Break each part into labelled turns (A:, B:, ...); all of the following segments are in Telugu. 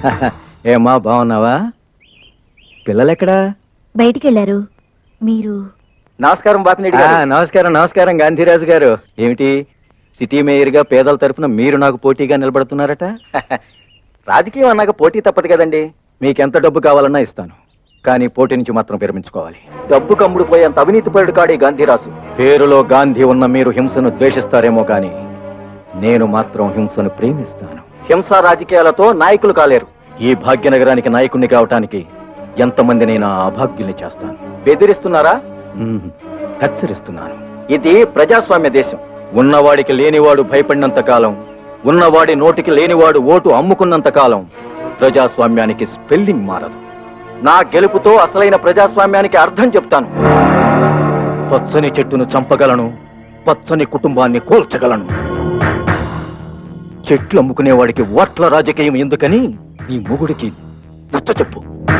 A: ఏమా బాగున్నావా? పిల్లలెక్కడా?
B: బయటికి వెళ్ళారు. మీరు?
A: నమస్కారం బాపినేడి గారు. నమస్కారం నమస్కారం గాంధీరాజు గారు. ఏమిటి సిటీ మేయర్గా పేదల తరఫున మీరు నాకు పోటీగా నిలబడుతున్నారట? రాజకీయం అన్నాక పోటీ తప్పదు కదండి. మీకెంత డబ్బు కావాలన్నా ఇస్తాను, కానీ పోటీ నుంచి మాత్రం విరమించుకోవాలి. డబ్బు కమ్ముడుపోయి అంత అవినీతిపరుడు కాడి గాంధీరాజు. పేరులో గాంధీ ఉన్న మీరు హింసను ద్వేషిస్తారేమో కానీ నేను మాత్రం హింసను ప్రేమిస్తాను. హింసా రాజకీయాలతో నాయకులు కాలేరు. ఈ భాగ్యనగరానికి నాయకుణ్ణి కావటానికి ఎంతమందినైనా అభాగ్యుల్ని చేస్తాను. బెదిరిస్తున్నారా? హెచ్చరిస్తున్నాను. ఇది ప్రజాస్వామ్య దేశం. ఉన్నవాడికి లేనివాడు భయపడినంత కాలం, ఉన్నవాడి నోటికి లేనివాడు ఓటు అమ్ముకున్నంత కాలం ప్రజాస్వామ్యానికి స్పెల్లింగ్ మారదు. నా గెలుపుతో అసలైన ప్రజాస్వామ్యానికి అర్థం చెప్తాను. పచ్చని చెట్టును చంపగలను, పచ్చని కుటుంబాన్ని కూల్చగలను. చెట్లు అమ్ముకునేవాడికి ఓట్ల రాజకీయం ఎందుకని నీ మొగుడికి నచ్చ చెప్పు.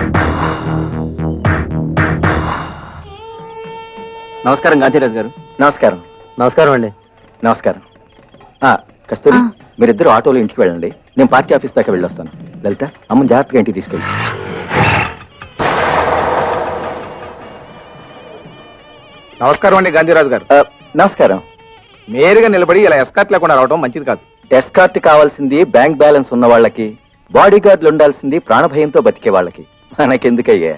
A: నమస్కారం గాంధీరాజు గారు. నమస్కారం. నమస్కారం అండి. నమస్కారం. కస్తూరి, మీరిద్దరు ఆటోలో ఇంటికి వెళ్ళండి. నేను పార్టీ ఆఫీస్ దాకా వెళ్ళొస్తాను. లలిత, అమ్మని జాగ్రత్తగా ఇంటికి తీసుకెళ్ళి.
C: నమస్కారం అండి గాంధీరాజు గారు.
A: నమస్కారం.
C: నేరుగా నిలబడి ఇలా ఎస్కార్ట్ లేకుండా రావడం మంచిది కాదు.
A: ఎస్కార్ట్ కావాల్సింది బ్యాంక్ బ్యాలెన్స్ ఉన్న వాళ్ళకి, బాడీ గార్డులు ఉండాల్సింది ప్రాణభయంతో బతికే వాళ్ళకి. మనకెందుకయ్యా?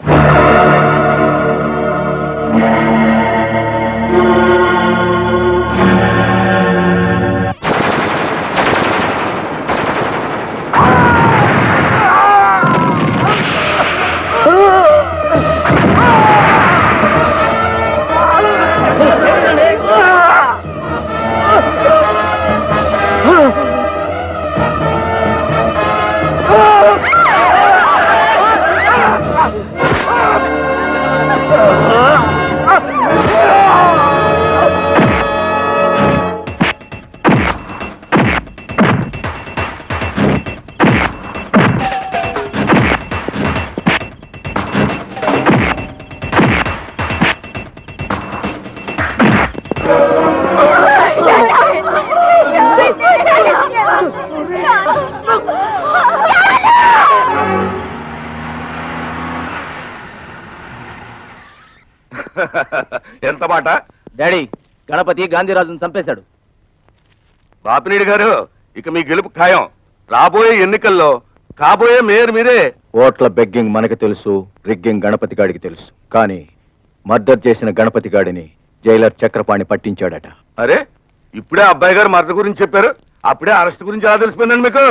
C: ఎంత మాట?
D: డాడీ, గణపతి గాంధీరాజును చంపేశాడు.
C: బాపినేడి గారు, ఇక మీ గెలుపు ఖాయం. రాబోయే ఎన్నికల్లో కాబోయే మేయర్ మీరే.
A: ఓట్ల బెగ్గింగ్ మనకు తెలుసు, రిగ్గింగ్ గణపతి గాడికి తెలుసు. కానీ మర్డర్ చేసిన గణపతి గాడిని జైలర్ చక్రపాణి పట్టించాడట.
C: అరే, ఇప్పుడే అబ్బాయి గారు మర్డర్ గురించి చెప్పారు, అప్పుడే అరెస్ట్ గురించి ఎలా తెలిసిపోయిందండి మీకు?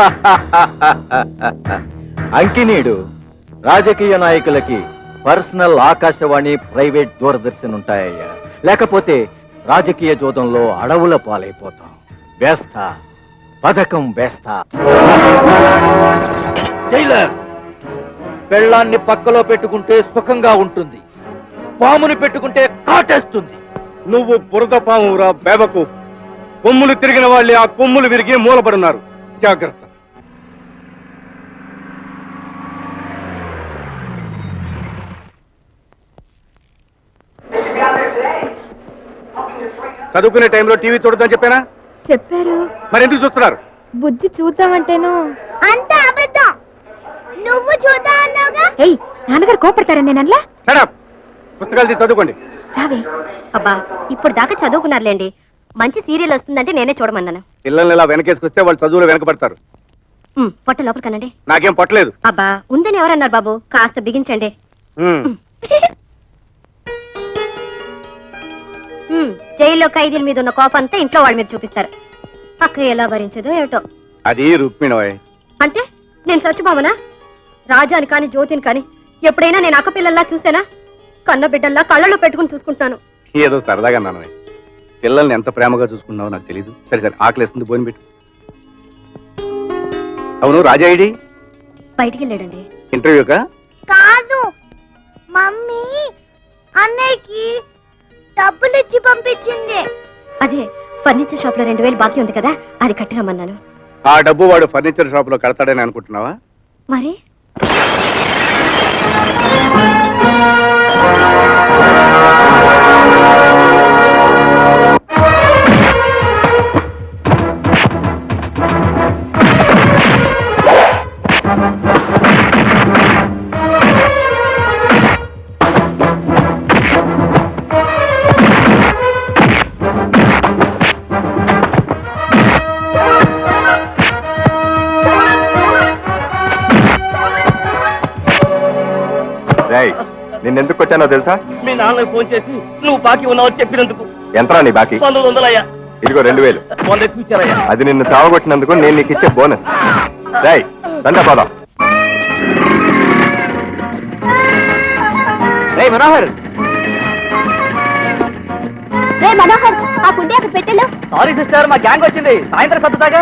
A: అంకినీడు రాజకీయ నాయకులకి పర్సనల్ ఆకాశవాణి, ప్రైవేట్ దూరదర్శన్ ఉంటాయ్యా. లేకపోతే రాజకీయ జోదంలో అడవుల పాలైపోతాం. వేస్తా, పథకం వేస్తా.
D: జైలర్, పెళ్ళాన్ని పక్కలో పెట్టుకుంటే సుఖంగా ఉంటుంది, పాముని పెట్టుకుంటే కాటేస్తుంది.
C: నువ్వు బురద పామురా బేబకు. కొమ్ములు తిరిగిన వాళ్ళే ఆ కొమ్ములు విరిగి మూలపడున్నారు. జాగ్రత్త. చదువుకునే టైంలో టీవీ చూడొద్దని చెప్పానా?
B: చెప్పారు.
C: మరి ఎందుకు చూస్తున్నారు?
B: బుజ్జి చూద్దామంటేను. అంత అబద్ధం. నువ్వు చూద్దా అన్నావుగా. ఏయ్, నాన్నగారు కోపడతారా నేనల్లా?
C: Shut up. పుస్తకాలు తీసి చదువుకోండి.
B: రావే. అబ్బా, ఇప్పుడు దాకా చదువుకున్నారులేండి. మంచి సీరియల్ వస్తుందంటే నేనే చూడమన్నాను.
C: పిల్లల్ని ఇలా వెనకేసుకొస్తే వాళ్ళు చదువులో వెనకబడతారు.
B: పొట్ట లోపల కనండి.
C: నాకేం పట్టలేదు.
B: అబ్బా, ఉందని ఎవరన్నారు బాబు? కాస్త బిగించండి. జైల్లో ఖైదీల మీద ఉన్న కోపంతా ఇంట్లో వాళ్ళ మీద చూపిస్తారు. అక్క ఎలా భరించదో ఏమిటో.
C: అది రుక్మిణోయ్.
B: అంటే నేను సత్యభామనా? రాజాని కాని జ్యోతిని కాని ఎప్పుడైనా నేను అక్క పిల్లల్లా చూసానా? కన్న బిడ్డల్లా కళ్ళలో పెట్టుకుని చూసుకుంటాను.
C: ఏదో సరదాగా అన్నాను. పిల్లల్ని ఎంత ప్రేమగా చూసుకున్నావో నాకు తెలీదు. సరే సరే, ఆకలిస్తుంది, భోజనం పెట్టు. అవును, రాజాయిడి
B: బయటికి వెళ్ళాడండి.
C: ఇంటర్వ్యూకా?
E: కాదు, మమ్మీ అన్నయ్యకి డబ్బులు ఇచ్చి పంపించింది.
B: అదే ఫర్నిచర్ షాప్ లో 2000 బాకీ ఉంది కదా, అది కట్టిరమ్మన్నాను.
C: ఆ డబ్బు వాడు ఫర్నిచర్ షాప్ లో కడతాడని అనుకుంటున్నావా?
B: మరి
F: కొట్టానో తెలుసా?
D: మీ నాన్నకి ఫోన్ చేసి నువ్వు బాకీ ఉన్నావు చెప్పినందుకు
F: ఎంతరా నీ బాకీ?
D: 1900 అయ్యా.
F: ఇదిగో 2000.
D: 100 ఎక్కువ ఇచ్చారయ్యా.
F: అది నిన్ను చావగొట్టినందుకు నేను నీకు ఇచ్చే బోనస్. రై దండ పోదాం.
A: మనోహర్,
B: రే మనోహర్, ఆ కుండే అక్కడ పెట్టెళ్ళు.
A: సారీ సిస్టర్, మా గ్యాంగ్ వచ్చింది, సాయంత్రం సర్దుతాగా.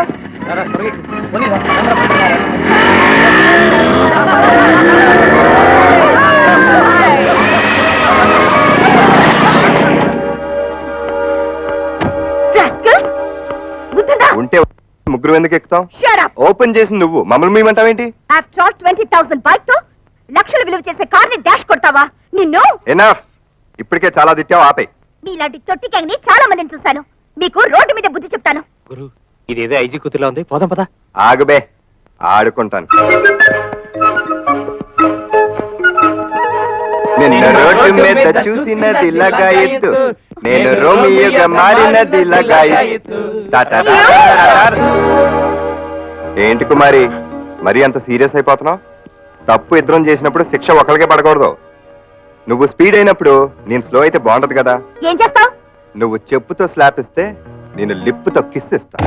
B: Rascals! బుద్ధుందా?
F: ఉంటే ముగ్గురు ఎందుకు ఎక్కుతాం?
B: Shut up!
F: ఓపెన్ చేసి నువ్వు మమ్మల్ని మీమంటావేంటి?
B: After all 20,000 బైక్ తో లక్షలు విలువ చేసే కార్ని డాష్ కొట్టావా? నిన్ను
F: ఎనఫ్. ఇప్పటికే చాలా తిట్టావు, ఆపే.
B: మీలాంటి తొట్టి గ్యాంగ్ ని చాలా మందిని చూశాను. మీకు రోడ్డు మీద బుద్ధి చెప్తాను.
A: గురు, ఇదేదో ఐజీ కూతురులా ఉంది, పోదాం పదా.
F: ఆగుబే, ఆడుకుంటాను. నిన్న రోడ్డు మీద చూసినది ఇలాగా ఎత్తు, నేను రోమియోగా మారినది ఇలాగా ఎత్తు. ఏంటి కుమారి, మరి అంత సీరియస్ అయిపోతున్నావు? తప్పు ఇద్దరం చేసినప్పుడు శిక్ష ఒకరికే పడకూడదు. నువ్వు స్పీడ్ అయినప్పుడు నేను స్లో అయితే బాగుంటది కదా.
B: ఏం చేస్తావు?
F: నువ్వు చెప్పుతో స్లాప్ ఇస్తే నేను లిప్పుతో కిస్ ఇస్తా.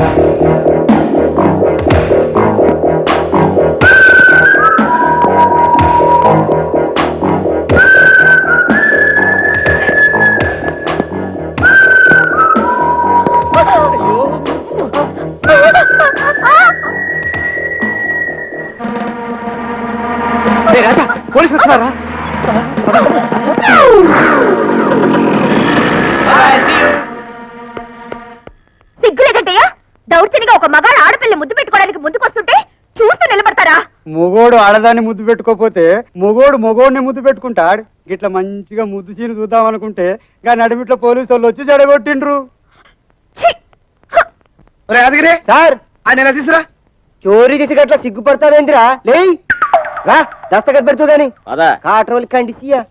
A: పోలీసు వస్తున్నారా?
B: సిగ్గులేదంటయ్యా? దౌర్జన్యంగా ఒక మగాడు ఆడపిల్లి ముద్దు పెట్టుకోవడానికి ముందుకొస్తుంటే చూస్తూ నిలబడతారా?
G: మొగోడు ఆడదాన్ని ముద్దు పెట్టుకోపోతే మొగోడిని ముద్దు పెట్టుకుంటాడు. గిట్లా మంచిగా ముద్దు సీను చూద్దాం అనుకుంటే గా నడిమిట్లో పోలీసు వాళ్ళు వచ్చి జడగొట్టిండ్రు.
B: ఛీ! హ!
G: అదిగిరే సార్, ఆయన ఎలా తీసురా? చోరీ చేసి గట్లా సిగ్గుపడతావేంద్రా? లే రా, దస్తగత్ పెడుతుందని కాట్రోల్ కండిసియా.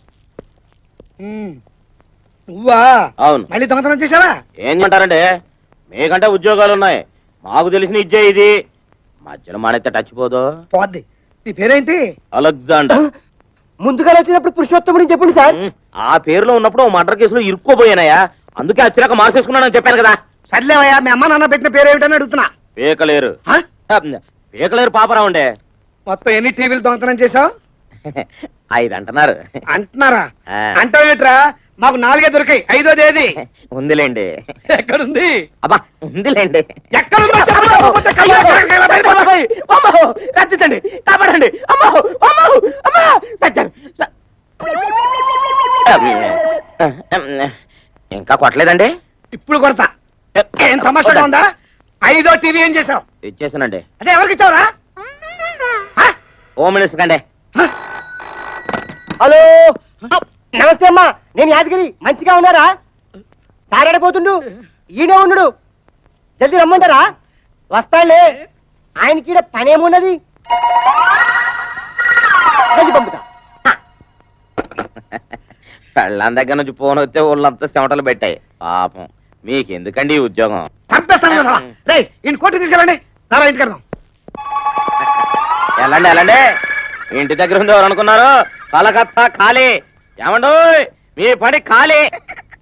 G: నువ్వా?
D: అవును.
G: మళ్ళీ దొంగతనం చేశావా?
D: ఏం అంటారంటే, మీకంటే ఉద్యోగాలు ఉన్నాయి, మాకు తెలిసిన ఇచ్చే ఇది. మధ్యలో మానైతే టచ్ పోదు.
G: పోద్ది. నీ పేరేంటి?
D: అలెగ్జాండర్.
G: ముందుగా వచ్చినప్పుడు పురుషోత్తముని చెప్పండి సార్.
D: ఆ పేరులో ఉన్నప్పుడు ఓ మర్డర్ కేసులో ఇరుక్కోపోయానయ్యా, అందుకే వచ్చినాక మార్చేసుకున్నానని చెప్పాను కదా.
G: సర్లేవయ్యా, మీ అమ్మ నాన్న పెట్టిన పేరు ఏమిటని అడుగుతున్నా.
D: పీకలేరు. పీకలేరు పాపరా ఉండే.
G: మొత్తం ఎన్ని టీవీలు దొంగతనం చేశావు?
D: 5 అంటున్నారు.
G: అంటున్నారా?
D: ఆ.
G: అంటావేట్రా? మాకు 4 దొరికాయి, 5వ ఏది?
D: ఉందిలేండి.
G: ఎక్కడుంది?
D: అబ్బా ఉందిలేండి.
G: ఎక్కడుందో చెప్పకపోతే కళ్ళు ఎక్కడ
D: అమ్మో రచించండి, కాపాడండి. అమ్మో అమ్మో అమ్మా సత్యారు. ఇంకా కొట్టలేదండి?
G: ఇప్పుడు కొడతా. ఏం తమాషాగా ఉందా? 5వ టీవీ ఏం చేసావు?
D: ఇచ్చేసానండి.
G: అదే ఎవరికి ఇచ్చావురా?
D: హోమ్ మినిస్టర్ కండి.
G: హలో, నమస్తే అమ్మా, నేను యాదగిరి. మంచిగా ఉన్నారా? సారాడిపోతుండు, ఈయనే ఉన్నాడు. జల్దీ రమ్మంటారా? వస్తాడులే, ఆయనకి పనేమున్నది. జల్దీ పంపుతా.
D: పెళ్ళాం దగ్గర నుంచి ఫోన్ వచ్చే వాళ్ళంతా చెమటలు పెట్టాయి. పాపం మీకెందుకండి ఈ ఉద్యోగం?
G: కోర్టు తీసుకెళ్ళండి. సారా ఇంటికి వెళ్దాం.
D: వెళ్ళండి వెళ్ళండి. ఇంటి దగ్గర ఉంది ఎవరు అనుకున్నారు? కలకత్తా ఖాళీ. ఏమండు మీ పని ఖాళీ.